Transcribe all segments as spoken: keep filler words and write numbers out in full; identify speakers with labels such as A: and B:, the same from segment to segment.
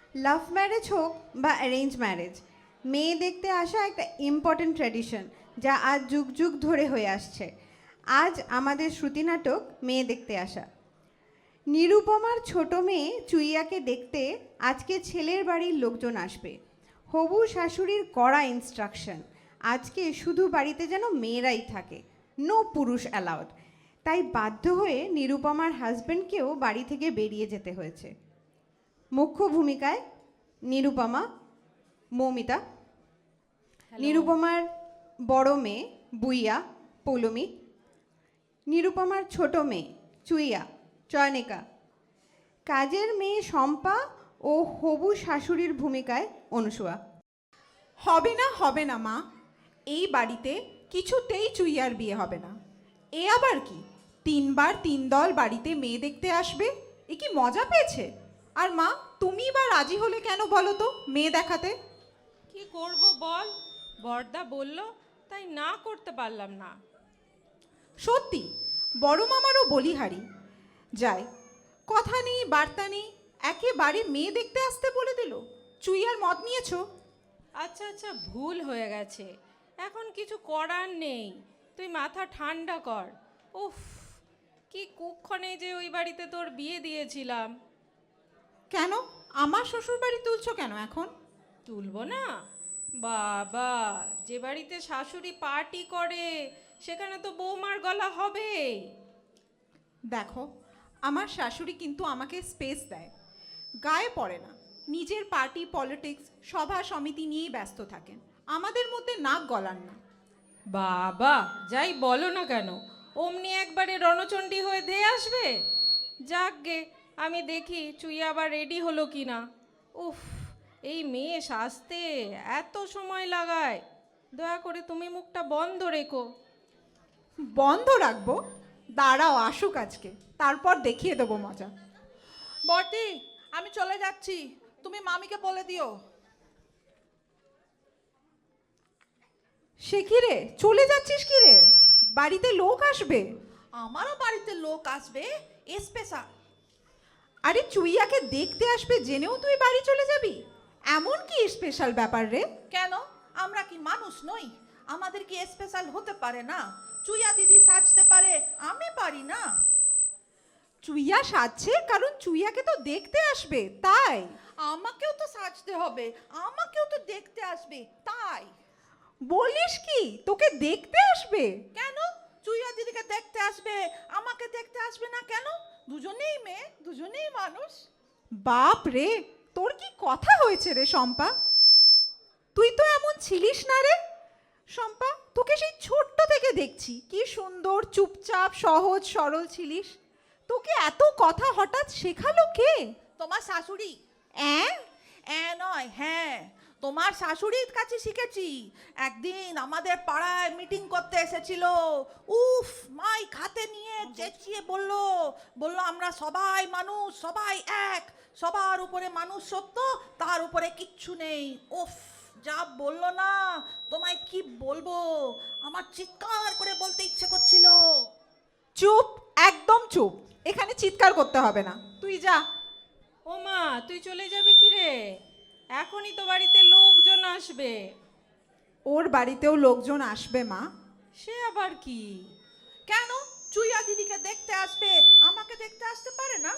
A: Love marriage হোক বা arrange marriage, মেয়ে দেখতে আসা একটা ইম্পর্ট্যান্ট ট্র্যাডিশন যা আজ যুগ যুগ ধরে হয়ে আসছে। আজ আমাদের শ্রুতি নাটক মেয়ে দেখতে আসা। নিরুপমার ছোট মেয়ে চুইয়াকে দেখতে আজকে ছেলের বাড়ির লোকজন আসবে। হবু শাশুড়ির কড়া ইনস্ট্রাকশন, আজকে শুধু বাড়িতে যেন মেয়েরাই থাকে, নো পুরুষ অ্যালাউড। তাই বাধ্য হয়ে নিরুপমার হাজব্যান্ডকেও বাড়ি থেকে বেরিয়ে যেতে হয়েছে। মুখ্য ভূমিকায় নিরুপমা, মৌমিতা। নিরুপমার বড় মেয়ে বুইয়া, পৌলমী। নিরুপমার ছোট মেয়ে চুইয়া, চয়নিকা। কাজের মেয়ে শম্পা ও হবু শাশুড়ির ভূমিকায় অনুসুয়া।
B: হবে না হবে না মা, এই বাড়িতে কিছুতেই চুইয়ার বিয়ে হবে না। এ আবার কি, তিনবার তিন দল বাড়িতে মেয়ে দেখতে আসবে, এ কি মজা পেয়েছে? আর মা, তুমি বা রাজি হলে কেন বলো তো মেয়ে দেখাতে?
C: কি করব বল, বড়দা বলল তাই না করতে পারলাম না।
B: সত্যি বড় মামারও বলিহারি। যাই, কথা নেই বার্তা নেই, একেবারে মেয়ে দেখতে আসতে বলে দিল। চুইয়ার মত নিয়েছো?
C: আচ্ছা আচ্ছা, ভুল হয়ে গেছে, এখন কিছু করার নেই, তুই মাথা ঠান্ডা কর। উফ, কি কুক্ষণে যে ওই বাড়িতে তোর বিয়ে দিয়েছিলাম।
B: কেন আমার শ্বশুর বাড়ি তুলছো কেন এখন?
C: তুলবো না? বাবা, যে বাড়িতে শাশুড়ি পার্টি করে সেখানে তো বৌমার গলা হবে।
B: দেখো, আমার শাশুড়ি কিন্তু আমাকে স্পেস দেয়, গায়ে পড়ে না, নিজের পার্টি পলিটিক্স সভা সমিতি নিয়েই ব্যস্ত থাকেন, আমাদের মধ্যে নাক গলান না।
C: বাবা, যাই বলো না কেন, অমনি একবারে রণচণ্ডী হয়ে ধেয়ে আসবে। যাকগে, আমি দেখি চুই আবার রেডি হলো কি না। উফ, এই মেয়ে সাজতে এত সময় লাগায়, দয়া করে তুমি মুখটা বন্ধ রেখো।
B: বন্ধ রাখবো? দাঁড়াও আসুক আজকে, তারপর দেখিয়ে দেবো মজা।
D: বর্দি, আমি চলে যাচ্ছি, তুমি মামিকে বলে দিও।
B: সে কি রে, চলে যাচ্ছিস কি রে? বাড়িতে লোক আসবে।
D: আমারও বাড়িতে লোক আসবে স্পেশাল।
B: আরে চুইয়াকে দেখতে আসবে জেনেও তুই বাড়ি চলে যাবি? এমন কি স্পেশাল ব্যাপার রে?
D: কেন, আমরা কি মানুষ নই? আমাদের কি স্পেশাল হতে পারে না? চুইয়া দিদি সাজতে পারে, আমি পারি না?
B: চুইয়া সাজছে কারণ চুইয়াকে তো দেখতে আসবে, তাই।
D: আমাকেও তো সাজতে হবে, আমাকেও তো দেখতে আসবে, তাই।
B: বলিস কি, তোকে দেখতে আসবে?
D: কেন চুইয়া দিদিকে দেখতে আসবে, আমাকে দেখতে আসবে না কেন? দুজনেই মেয়ে, দুজনেই মানুষ।
B: বাপ রে, তোর কি কথা হয়েছে রে শম্পা? তুই তো এমন ছিলিস না রে। শম্পা, তোকে সেই ছোট্ট থেকে দেখছি কি সুন্দর চুপচাপ সহজ সরল ছিলিস, তোকে এত কথা হঠাৎ শেখালো কে?
D: তোমার শাশুড়ি।
B: অ্যাঁ?
D: এ নয়, হ্যাঁ, তোমার শাশুড়ির কাছে শিখেছি। একদিন আমাদের পাড়ায় মিটিং করতে এসেছিল, উফ, মাইক হাতে নিয়ে চেঁচিয়ে বলল বলল আমরা সবাই মানুষ, সবাই এক, সবার উপরে মানুষ সত্য, তার উপরে কিচ্ছু নেই। উফ, যা বললো না, তোমায় কি বলবো, আমার চিৎকার করে বলতে ইচ্ছে করছিল।
B: চুপ, একদম চুপ, এখানে চিৎকার করতে হবে না, তুই যা।
C: ও মা, তুই চলে যাবি কি রে? এখনই তো বাড়িতে লোকজন আসবে।
B: ওর বাড়িতেও লোকজন আসবে মা।
C: সে আবার কি?
D: কেন চুইয়া দিদিকে দেখতে আসবে, আমাকে দেখতে আসতে পারে না?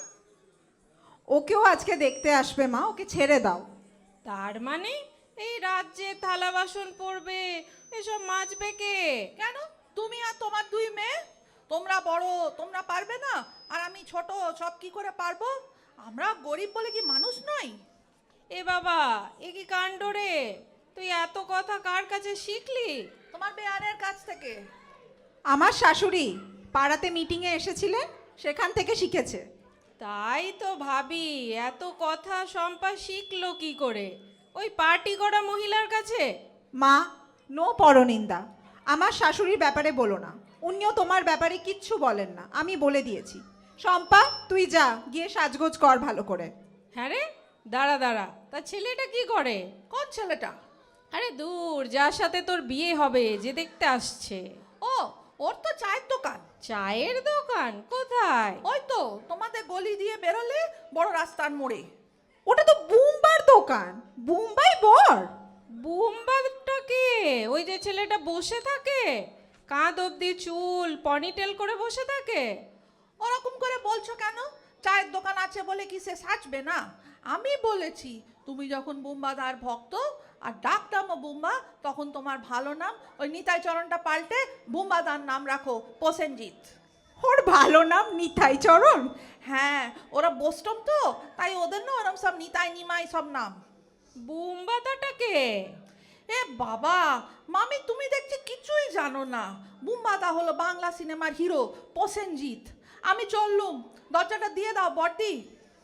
B: ওকেও আজকে দেখতে আসবে মা, ওকে ছেড়ে দাও।
C: তার মানে এই রাজ্যে থালা বাসন পড়বে, এসব মাজবে কে?
D: কেন, তুমি আর তোমার দুই মেয়ে, তোমরা বড়, তোমরা পারবে না, আর আমি ছোট, সব কি করে পারবো? আমরা গরিব বলে কি মানুষ নই?
C: এ বাবা, এ কি কাণ্ড রে! তুই এত কথা কার কাছে শিখলি?
D: তোমার বেয়ারের কাছ থেকে।
B: আমার শাশুড়ি পাড়াতে মিটিংয়ে এসেছিলেন, সেখান থেকে শিখেছে।
C: তাই তো ভাবি, এত কথা শম্পা শিখলো কি করে? ওই পার্টি করা মহিলার কাছে?
B: মা, নো পরনিন্দা, আমার শাশুড়ির ব্যাপারে বলো না, উনিও তোমার ব্যাপারে কিচ্ছু বলেন না, আমি বলে দিয়েছি। শম্পা, তুই যা, গিয়ে সাজগোজ কর ভালো করে।
C: হ্যাঁ রে, দাঁড়া দাঁড়া, তা ছেলেটা কি করে?
D: কোন ছেলেটা?
C: আরে দূর, যার সাথে তোর বিয়ে হবে, যে দেখতে আসছে।
D: ও, ওর তো চায়ের দোকান।
C: চায়ের দোকান কোথায়?
D: ওই তো তোমাদের গলি দিয়ে বেরোলে বড় রাস্তার মোড়ে।
B: ওটা তো বুমবার দোকান, বোম্বাই বর।
C: বুম্বাটা কে? ওই যে ছেলেটা বসে থাকে, কাঁধ অব্দি চুল পনিটেল করে বসে থাকে।
D: ওরকম করে বলছো কেন? চায়ের দোকান আছে বলে কি সে সাজবে না? আমি বলেছি তুমি যখন বুম্বাদার ভক্ত আর ডাকটামও বুম্বা, তখন তোমার ভালো নাম ওই নিতাই চরণটা পাল্টে বুম্বাদার নাম রাখো প্রসেনজিৎ।
B: ওর ভালো নাম নিতাই চরণ?
D: হ্যাঁ, ওরা বোস্টম তো, তাই ওদের না ওরম সব নিতাই নিমাই সব নাম।
C: বুম্বাদাটা কে?
D: এ বাবা, মামি তুমি দেখছি কিছুই জানো না। বুম্বাদা হলো বাংলা সিনেমার হিরো প্রসেনজিৎ। আমি চললুম, দরজাটা দিয়ে দাও বড়দি।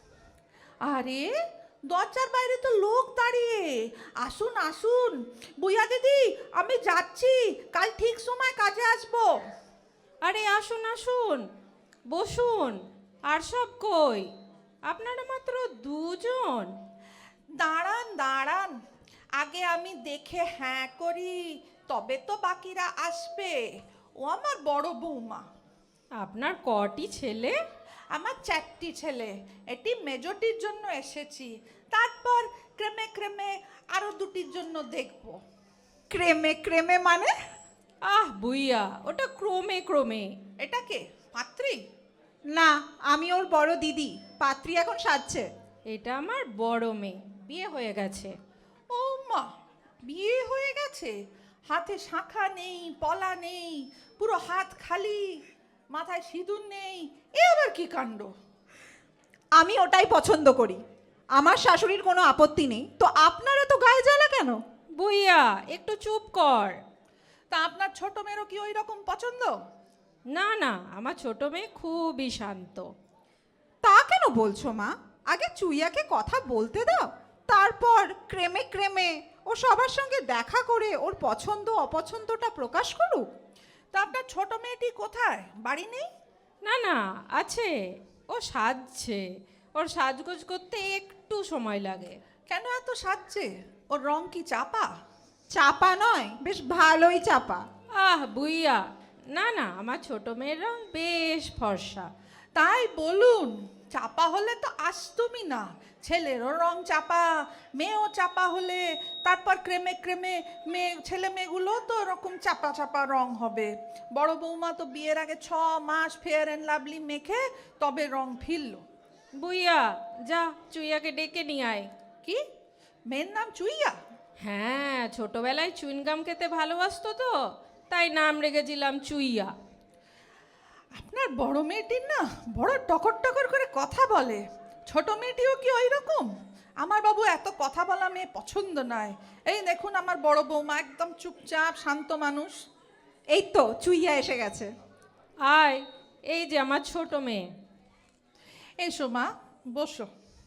D: আরে দরজার বাইরে তো লোক দাঁড়িয়ে। আসুন আসুন বুইয়া দিদি, আমি যাচ্ছি, কাল ঠিক সময় কাজে আসবো।
C: আরে আসুন আসুন, বসুন। আর সব কই? আপনারা মাত্র দুজন?
D: দাঁড়ান দাঁড়ান, আগে আমি দেখে হ্যাঁ করি, তবে তো বাকিরা আসবে। ও আমার বড় বৌমা।
C: আপনার কটি ছেলে?
D: আমার চারটি ছেলে। এটি মেজটির জন্য এসেছি, তারপর ক্রেমে ক্রেমে আরো দুটির জন্য দেখব।
B: ক্রেমে ক্রেমে মানে?
C: আহ বুইয়া, ওটা ক্রমে ক্রমে।
D: এটা কে, পাত্রী?
B: না, আমি ওর বড় দিদি, পাত্রী এখন সাজছে।
C: এটা আমার বড় মেয়ে, বিয়ে হয়ে গেছে।
D: ও মা, বিয়ে হয়ে গেছে? হাতে শাঁখা নেই, পলা নেই, পুরো হাত খালি, মাথায় সিঁদুর নেই, এ আবার কি কাণ্ড?
B: আমি ওটাই পছন্দ করি। আমার শাশুড়ির কোনো আপত্তি নেই, তো আপনারা তো গায়ে জ্বালা কেন?
C: বুইয়া একটু চুপ কর।
D: তা আপনার ছোট মেয়েরও কি ওই রকম পছন্দ?
C: না না, আমার ছোট মেয়ে খুবই শান্ত।
B: তা কেন বলছো মা? আগে চুইয়াকে কথা বলতে দাও, তারপর ক্রেমে ক্রেমে ও সবার সঙ্গে দেখা করে ওর পছন্দ অপছন্দটা প্রকাশ করুক।
D: তা আপনার ছোট মেয়েটি কোথায়? বাড়ি নেই?
C: না না, আছে, ও সাজছে। ওর সাজগোজ করতে একটু সময় লাগে।
D: কেন এত সাজছে? ওর রং কি চাপা?
B: চাপা নয়, বেশ ভালোই চাপা।
C: আহ বুইয়া, না না, আমার ছোট মেয়ের রং বেশ ফর্সা।
D: তাই বলুন, চাপা হলে তো আসতুমই না। ছেলেরও রং চাপা, মেয়েও চাপা হলে তারপর ক্রেমে ক্রেমে মেয়ে ছেলে মেয়েগুলো তো ওরকম চাপা চাপা রং হবে। বড় বৌমা তো বিয়ের আগে ছ মাস ফেয়ার অ্যান্ড লাভলি মেখে তবে রং ফিরল।
C: বুইয়া যা, চুইয়াকে ডেকে নিয়ে আয়।
D: কি, মেয়ের নাম চুইয়া?
C: হ্যাঁ, ছোটবেলায় চুইনগাম খেতে ভালোবাসতো তো, তাই নাম রেখেছিলাম চুইয়া।
D: আপনার বড় মেয়েটির না বড় টকর টকর করে কথা বলে। ছোট মেয়েটিও কি ওই রকম? আমার বাবু এত কথা বলা মেয়ে পছন্দ নয়। এই দেখুন আমার বড় বৌমা একদম চুপচাপ শান্ত মানুষ।
B: এই তো চুইয়া এসে গেছে।
C: আয়, এই যে আমার ছোট মেয়ে।
D: এসো মা, বসো।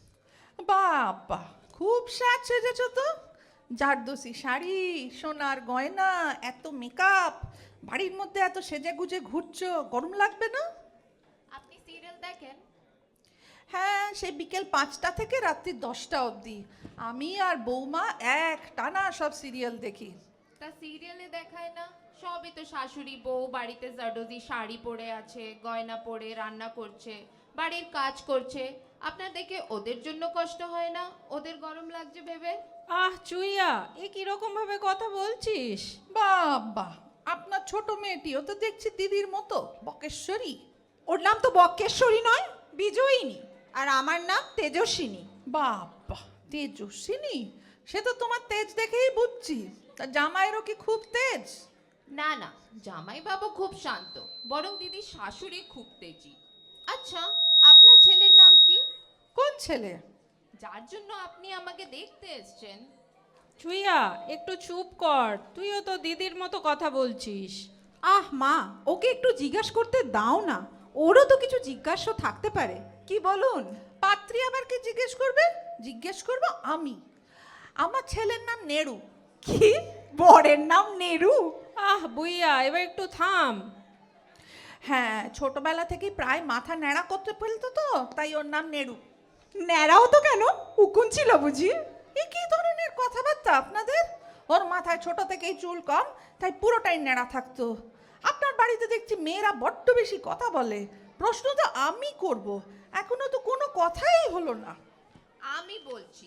D: বাবা, খুব সাজ সেজেছো তো। জারদোসি শাড়ি, সোনার গয়না, এত মেকআপ, বাড়ির মধ্যে এত সেজে গুজে ঘুরছো, গরম লাগবে না?
E: আপনি সিরিয়াল দেখেন?
D: হ্যাঁ, সে বিকেল পাঁচটা থেকে রাত্রি দশটা অবধি আমি আর বৌমা এক টানা সব সিরিয়াল দেখি।
E: তা সিরিয়ালে দেখায় না? সবই তো শাশুড়ি বউ বাড়িতে জাডোজি শাড়ি পরে আছে, গয়না পরে রান্না করছে, বাড়ির কাজ করছে। আপনার দেখে ওদের জন্য কষ্ট হয় না? ওদের গরম লাগছে ভেবে?
C: আহ চুইয়া, এ কিরকম ভাবে কথা বলছিস?
D: বাবা, আপনার ছোট মেয়েটিও তো দেখছি দিদির মতো বকেশ্বরী।
B: ওর নাম তো বক্কেশ্বরী নয়, বিজয়িনী। আর আমার নাম তেজস্বিনী।
D: বাবা, তেজস্বিনী? সে তো তোমার তেজ দেখেই বুঝছি। তা জামাইয়েরও কি খুব তেজ?
E: না না, জামাই বাবু খুব শান্ত, বরং দিদি শাশুড়ি খুব তেজি। আচ্ছা, আপনার ছেলের নাম কি?
D: কোন ছেলে?
E: যার জন্য আপনি আমাকে দেখতে এসেছেন।
C: চুইয়া একটু চুপ কর, তুইও তো দিদির মতো কথা বলছিস।
B: আহ মা, ওকে একটু জিজ্ঞাসা করতে দাও না, ওরও তো কিছু জিজ্ঞাসা থাকতে পারে, কি বলুন?
D: পাত্রী আবার কি জিজ্ঞেস করবে? জিজ্ঞেস করবো আমি। আমার ছেলের নাম নেড়ু।
B: কি, বরের নাম নেরু?
C: আহ বুইয়া, এবার একটু থাম।
D: হ্যাঁ, ছোটবেলা থেকে প্রায় মাথা ন্যাড়া করতে ফেলতো তো, তাই ওর নাম নেড়ু।
B: ন্যাড়াও তো কেন, উকুন ছিল বুঝি?
D: এ কি ধরনের কথাবার্তা আপনাদের? ওর মাথায় ছোট থেকেই চুল কম, তাই পুরোটাই ন্যাড়া থাকতো। আপনার বাড়িতে দেখছি মেয়েরা বড্ড বেশি কথা বলে। প্রশ্ন তো আমি করব, এখনো তো কোনো কথাই হলো না।
E: আমি বলছি,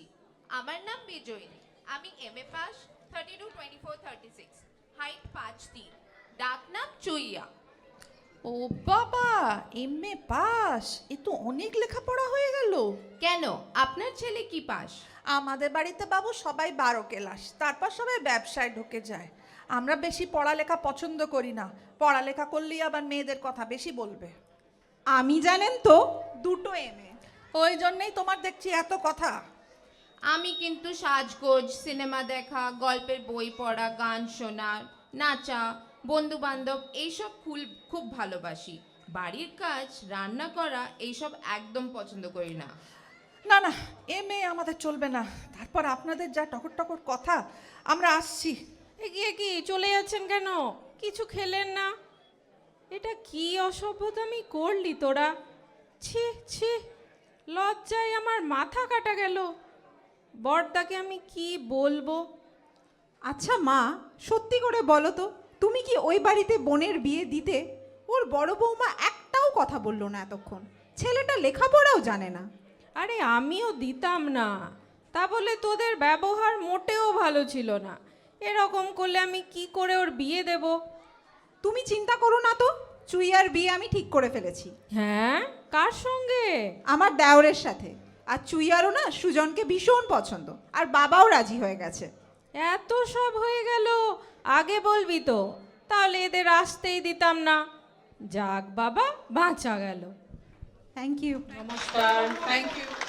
E: আমার নাম বিজয়িনী, আমি M A pass, thirty two twenty four thirty six, height পাঁচ তিন, ডাক নাম চুইয়া।
D: ও বাবা, এম এ পাস, এ তো অনেক লেখাপড়া হয়ে গেল।
E: কেন, আপনার ছেলে কি পাস?
D: আমাদের বাড়িতে বাবু সবাই বারো ক্লাস, তারপর সবাই ব্যবসায় ঢুকে যায়। আমরা বেশি পড়ালেখা পছন্দ করি না, পড়ালেখা করলেই আবার মেয়েদের কথা বেশি বলবে।
B: আমি জানেন তো দুটো এম এ।
D: ওই জন্যই তোমার দেখছি এত কথা।
E: আমি কিন্তু সাজগোজ, সিনেমা দেখা, গল্পের বই পড়া, গান শোনা, নাচা, বন্ধু বান্ধব এইসব খুব খুব ভালোবাসি। বাড়ির কাজ, রান্না করা এইসব একদম পছন্দ করি না।
D: না না, এম এ আমাদের চলবে না। তারপর আপনাদের যা টকর টকর কথা, আমরা আসছি।
C: এগিয়ে কি চলে যাচ্ছেন কেন? কিছু খেলেন না? এটা কি অসভ্যতামি করলি তোরা? ছি ছি, লজ্জায় আমার মাথা কাটা গেল। বড়দাকে আমি কি বলবো?
B: আচ্ছা মা, সত্যি করে বলো তো, তুমি কি ওই বাড়িতে বোনের বিয়ে দিতে? ওর বড় বৌমা একটাও কথা বললো না এতক্ষণ। ছেলেটা লেখাপড়াও জানে না।
C: আরে আমিও দিতাম না, তা বলে তোদের ব্যবহার মোটেও ভালো ছিল না। এরকম করলে আমি কি করে ওর বিয়ে দেব?
B: তুমি চিন্তা করো না তো, চুইয়ার বিয়ে আমি ঠিক করে ফেলেছি
C: হ্যাঁ, কার সঙ্গে?
B: আমার দেওরের সাথে। আর চুইয়ারও না সুজনকে ভীষণ পছন্দ, আর বাবাও রাজি হয়ে গেছে।
C: এত সব হয়ে গেল, আগে বলবি তো, তাহলে এদের আসতেই দিতাম না। যাক বাবা, বাঁচা গেল।
B: Thank you.
C: নমস্কার।
D: Thank you.